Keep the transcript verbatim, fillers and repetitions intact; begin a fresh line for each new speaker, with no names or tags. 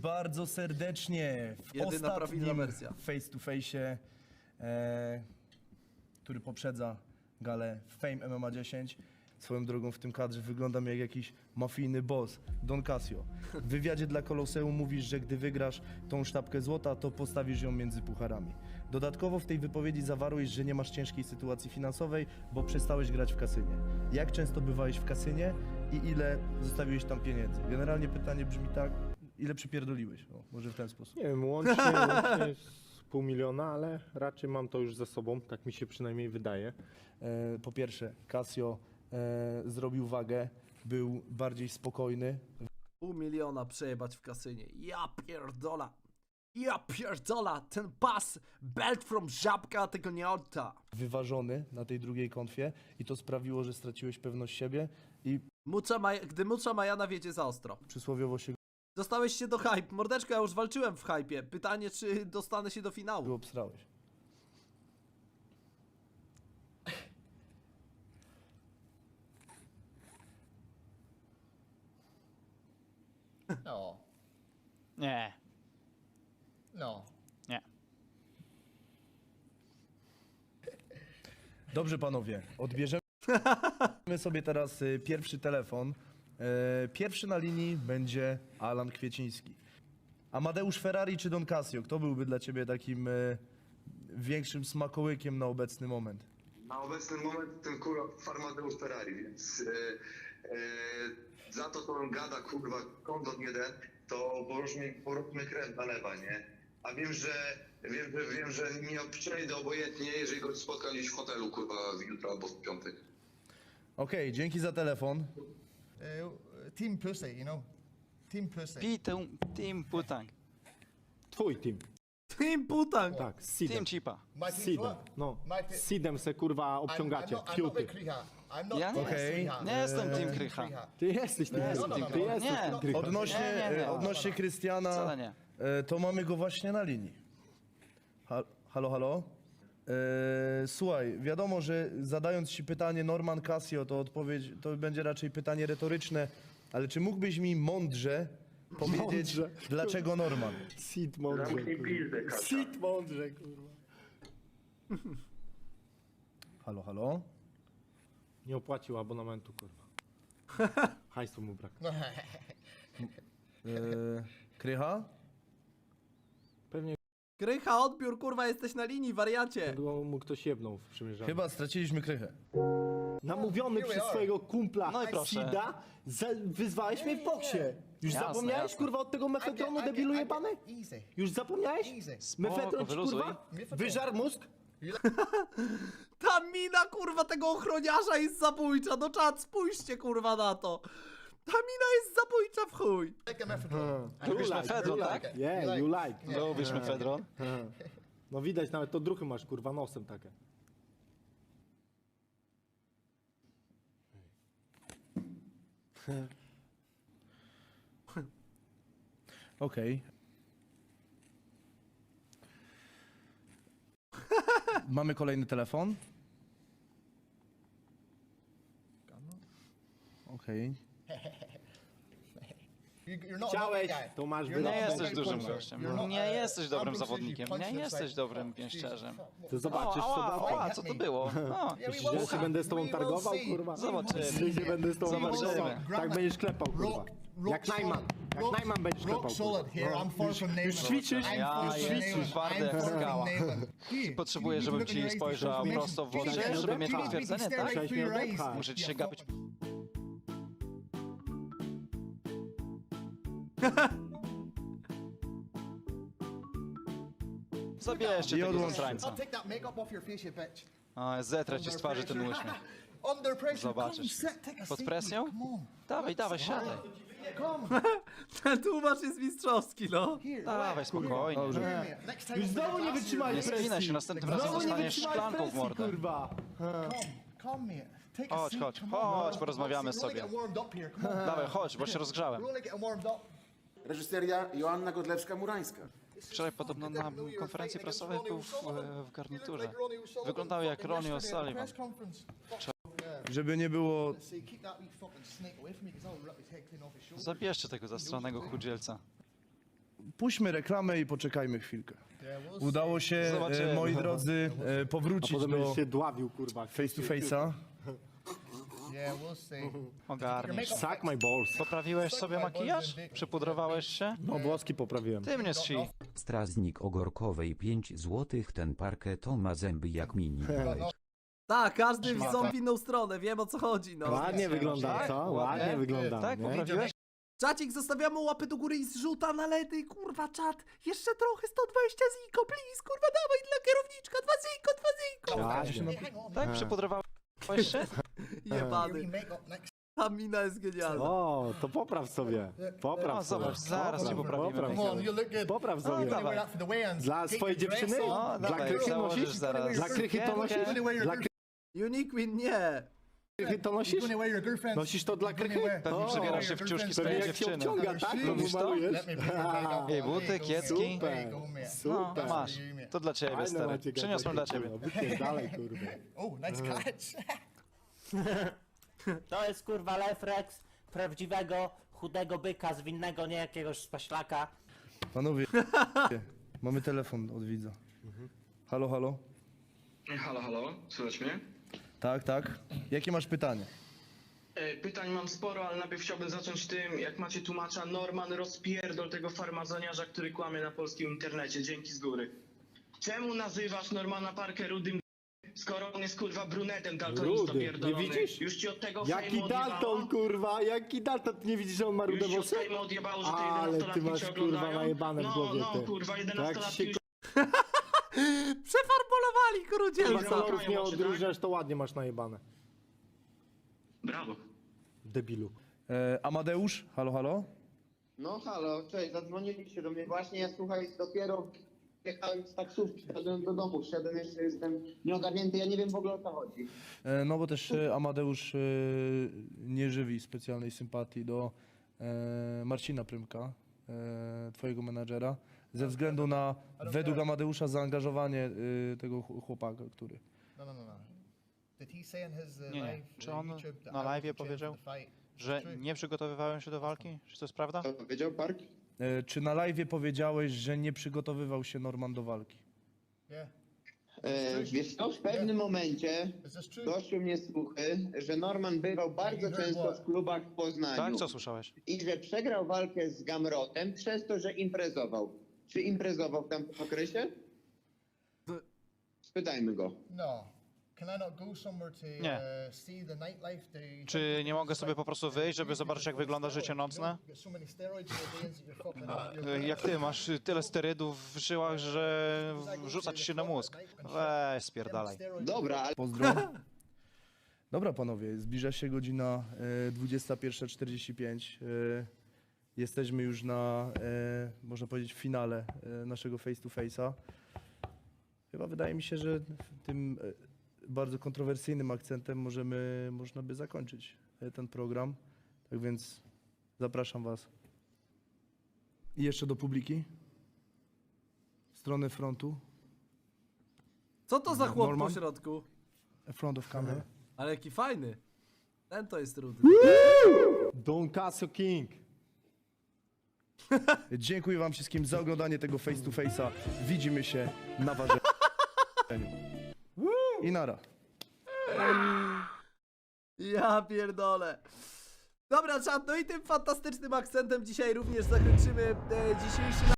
bardzo serdecznie w
Jedyna prawidłowa
ostatnim
wersja.
face to face, e, który poprzedza galę Fame M M A dziesięć. Swoją drogą w tym kadrze wyglądam jak jakiś mafijny boss, Don Casio. W wywiadzie dla Koloseum mówisz, że gdy wygrasz tą sztabkę złota, to postawisz ją między pucharami. Dodatkowo w tej wypowiedzi zawarłeś, że nie masz ciężkiej sytuacji finansowej, bo przestałeś grać w kasynie. Jak często bywałeś w kasynie i ile zostawiłeś tam pieniędzy? Generalnie pytanie brzmi tak, ile przypierdoliłeś? O, może w ten sposób.
Nie wiem, łącznie, łącznie z pół miliona, ale raczej mam to już za sobą, tak mi się przynajmniej wydaje.
E, po pierwsze, Casio e, zrobił wagę, był bardziej spokojny,
Pół miliona przejebać w kasynie. Ja pierdola. Ja pierdola. Ten pas, belt from żabka tego nie odda.
wyważony na tej drugiej konfie i to sprawiło, że straciłeś pewność siebie i
Mucza Maj gdy Mucza Majana wiedzie za ostro.
przysłowiowo się
Dostałeś się do hype. Mordeczko, ja już walczyłem w hypie. Pytanie, czy dostanę się do
go
finału.
obsrałeś.
No,
Nie,
no.
nie.
Dobrze panowie, odbierzemy sobie teraz y, pierwszy telefon. E, pierwszy na linii będzie Alan Kwieciński. Amadeusz Ferrari czy Don Casio? Kto byłby dla ciebie takim e, większym smakołykiem na obecny moment?
Na obecny moment ten kurwa Farmadeusz Ferrari, więc e, e, za to, co on gada, kurwa, kondot jeden, to poróżmy, poróżmy krew nalewa, nie? A wiem, że wiem, że, wiem, że nie przejdę obojętnie, jeżeli go spotkam gdzieś w hotelu, kurwa, jutro albo w piątek.
Okej, dzięki za telefon.
Uh, team pussy, you know. Team pussy.
Pitę, Team Putang,
Twój team,
Team Putang.
tak, z Seedem.
Team Chipa.
My
Z
team's
Seedem,
what?
no.
My te-
Z Seedem se kurwa
I'm, I'm
obciągacie,
not, I'm not
fiuty.
with Kriha. I'm not
Ja nie
with
Okej.
Kriha.
Nie jestem
Uh,
Team
Team
Krycha.
Ty jesteś tym
no,
Krycha.
no, no,
Ty
no.
jesteś
Nie.
tym Krycha.
Odnośnie,
Nie, nie, nie.
e, odnośnie Krystiana,
Wcale nie.
e, to mamy go właśnie na linii. Ha, halo, halo? E, słuchaj, wiadomo, że zadając ci pytanie Norman Casio, to odpowiedź to będzie raczej pytanie retoryczne, ale czy mógłbyś mi mądrze powiedzieć,
Mądrze.
dlaczego Norman?
Seed mądrze,
Zamknij
kurwa.
pizdę, Kasia.
Seed mądrze, kurwa.
Halo, halo?
Nie opłacił abonamentu, kurwa. Hajsu mu brak.
E, Krycha?
Pewnie
Krycha, odbiór, kurwa, jesteś na linii, wariacie.
go mu ktoś jebnął w przymierzaniu.
Chyba straciliśmy Krychę.
Namówiony
Here we
przez
are.
swojego kumpla
No i proszę.
Sida, za, wyzwałeś mnie w boksie. Już
Jasne,
zapomniałeś,
jasne.
kurwa, od tego mefedronu,
I get- I
debilu
get-
jebany?
Easy.
Już zapomniałeś?
Easy.
Mefedron ci,
wyluzuj.
kurwa, wyżar mózg?
Ta mina, kurwa, tego ochroniarza jest zabójcza. No czad, spójrzcie, kurwa, na to. Ta mina jest zabójcza w chuj.
Like a methadone.
Lubisz
You
mefedron,
you
tak?
like. Yeah, you like.
Lubisz mefedron?
No widać, nawet to druchy masz, kurwa, nosem takie.
Okej. Mamy kolejny telefon. Okej.
You- You're not a
Chciałeś,
big guy.
to masz
You're
Nie
not a
wylot.
jesteś
big
dużym
puncher.
gościem.
You're not,
Nie
uh,
jesteś dobrym
Ambrose
zawodnikiem.
usually
Nie
punches
jesteś
like,
dobrym
oh,
pięściarzem.
Jesus,
To zobaczysz,
O,
co
ała,
zobaczysz.
ała, co to było? O,
Yeah, we
Myślisz,
will
że się
see.
będę z tobą
We will
targował,
see.
kurwa?
Zobaczymy.
Myślisz, że będę z tobą
Zobaczymy.
targował? Tak będziesz klepał, kurwa.
Rock, rock
Jak Najman.
solid.
Jak
Rock-
Najman będziesz klepał,
Rock solid
kurwa.
here. I'm far from Neyman.
Już ćwiczysz?
I'm
Ja
far from
jestem
Neyman.
twardy
I'm
jak
far from
skała.
Neyman. Here,
Potrzebuję,
you
żebym
look in
ci
your eyes,
spojrzał
you
prosto w
you
oczy,
can-
żeby mieć
you can
potwierdzenie,
stare
tak?
right through your eyes.
Muszę ci
You
się gapić.
fuck.
Zabierzcie
I
tego
odłącz się.
zasrańca.
I'll take that makeup off your face, you bitch.
O, zetrę ci z twarzy ten uśmiech.
Under pressure.
Zobaczysz.
Come, sit, take a
Pod
seat,
presją?
Come on.
Dawaj, dawaj, siadaj.
Come.
Ten tłumacz jest mistrzowski, no.
Here.
Dawaj, spokojnie.
Here, mate. Next time
Już
we'll
znowu
get
nie
a glass
wytrzymałeś
Nie
here.
presji.
spinaj się, następnym razem
Znowu nie
dostaniesz
wytrzymałeś
szklanką w
presji,
mordę.
kurwa.
Come, come, mate. Take a
Chodź,
seat,
chodź,
come on.
chodź, porozmawiamy
We're only
sobie.
getting warmed up here, come on.
Dawaj, chodź, bo się rozgrzałem.
We're only getting warmed up.
Reżyseria Joanna Godlewska-Murańska.
Wczoraj podobno na konferencji prasowej był w, w garniturze. Wyglądał jak Ronnie O'Sullivan.
Żeby nie było,
Zabierzcie tego zastranego chudzielca.
puśćmy reklamę i poczekajmy chwilkę.
Yeah, we'll
Udało się, e,
Zobaczymy.
moi drodzy, e,
A
powrócić
potem
do
będziesz się dławił, kurwa.
face to face'a.
see. Yeah, we'll see.
Ogarniesz.
Suck my balls.
Poprawiłeś sobie makijaż? Przypudrowałeś się?
No, włoski poprawiłem.
Ty mnie zsi.
Strażnik Ogorkowej pięć złotych, ten parketo ma zęby jak mini.
Tak, każdy w
Szmata.
ząb w inną stronę, wiem o co chodzi, no.
Ładnie wygląda,
Tak?
co?
Ładnie?
Ładnie wygląda.
Tak,
nie?
poprawiłeś?
Czacik, zostawiamy łapy do góry i zrzuta na ledy, kurwa, czat. Jeszcze trochę, sto dwadzieścia ziko, please, kurwa, dawaj dla kierowniczka, dwa ziko, dwa ziko.
Ładnie.
Hey, hang on.
Tak, przypudrowałeś się?
Jebany.
Your makeup next.
Ta mina jest genialna.
O, to popraw sobie. Popraw
No,
sobie.
zobacz, zaraz cię poprawimy.
Popraw
Come on, you look good.
Popraw
You're
sobie.
gonna wear that for the weigh-ins.
Dla
Get
swojej
your dress
dziewczyny?
on.
No,
Dla
dawaj,
krychy
założysz
nosisz?
zaraz.
Dla krychy to nosisz?
You're gonna wear your
Dla
girl-
Uniqueen nie.
krychy to
you're
nosisz?
gonna wear your girlfriend's-
Nosisz to dla
you're gonna
krychy?
wear-
Pewnie
O,
przebierasz się w ciuszki
Pewnie
swojej
jak się
dziewczyny.
obciąga, tak? To
Lubisz to?
malujesz?
Let me bring your makeup.
Ej,
There you
buty,
go,
kiecki.
mate. There you go, mate.
No,
Super.
masz. To dla ciebie,
Fajne
stary.
macie
Przyniosłem dla ciebie.
Dalej, kurwa.
Oh, nice catch.
To jest kurwa refleks prawdziwego, chudego byka z winnego, nie jakiegoś spaślaka.
Panowie, mamy telefon od widza. Halo, halo?
Halo, halo, słychać mnie?
Tak, tak. Jakie masz pytanie?
E, Pytań mam sporo, ale najpierw chciałbym zacząć tym, jak macie tłumacza, Norman rozpierdol tego farmazoniarza, który kłamie na polskim internecie, dzięki z góry. Czemu nazywasz Normana Parker rudym skoro on jest kurwa brunetem daltonisto
Rudy, nie
pierdolony?
widzisz?
Już ci od tego
Jaki
fejmu
Dalton,
odjebało?
kurwa, jaki Dalton, ty nie widzisz, że on ma
Już
rude
ci od
włosy?
fejmu odjebało, że te
Ale ty
jedenastolatki
masz,
cię
kurwa,
oglądają?
najebane w
No,
głowie,
no,
ty.
kurwa,
Tak
jedenastolatki
się
już
Przefarbolowali
Kurwa,
krudzielca.
kolorów nie
oczy, tak?
odróżniasz, to ładnie masz najebane.
Brawo.
Debilu.
E, Amadeusz? Halo, halo?
No halo, cześć, zadzwoniliście do mnie właśnie, ja słuchaj, dopiero jechałem z taksówki, szedłem do domu, szedłem jeszcze, jestem nieogarnięty, ja nie wiem w ogóle o co chodzi.
E, no bo też e, Amadeusz e, nie żywi specjalnej sympatii do e, Marcina Prymka, e, twojego menadżera, ze względu na, według Amadeusza, zaangażowanie e, tego ch- chłopaka, który...
No, no, no, no. Did he say in his, uh,
Nie, nie.
live,
Czy
uh,
on
YouTube that
na
I
live'ie
wasn't trained
powiedział,
for the fight?
że
True.
nie przygotowywałem się do walki? Czy to jest prawda?
Co powiedział Park?
E, czy na live'ie powiedziałeś, że nie przygotowywał się Norman do walki?
Yeah.
E, wiesz co, w pewnym momencie
Is this true?
doszły mnie słuchy, że Norman bywał bardzo często w klubach w Poznaniu
Tak? Co słyszałeś?
i że przegrał walkę z Gamrotem przez to, że imprezował. Czy imprezował w tamtym okresie? Spytajmy go.
No. Can I not go somewhere to
Nie.
uh, see the nightlife? To
Czy nie mogę sobie po prostu wyjść, żeby zobaczyć, jak wygląda życie nocne?
Get so many steroids in your veins that you're fucking up. You're-
E, Jak ty masz tyle sterydów w żyłach, że wrzuca ci się na mózg. Weź, spierdalaj.
Dobra, ale
Pozdro. Dobra, panowie, zbliża się godzina e, dwudziesta pierwsza czterdzieści pięć. E, jesteśmy już na, e, można powiedzieć, finale e, naszego face to face'a. Chyba wydaje mi się, że tym e, bardzo kontrowersyjnym akcentem możemy, można by zakończyć e, ten program. Tak więc zapraszam was. I jeszcze do publiki. W stronę frontu.
Co to za chłop
Norman?
po środku?
Front of camera.
Ale jaki fajny. Ten to jest rudy.
Don Casio King.
Dziękuję wam wszystkim za oglądanie tego face to face'a. Widzimy się na ważeniu. I nara.
Ja pierdolę. Dobra, czat, no i tym fantastycznym akcentem dzisiaj również zakończymy e, dzisiejszy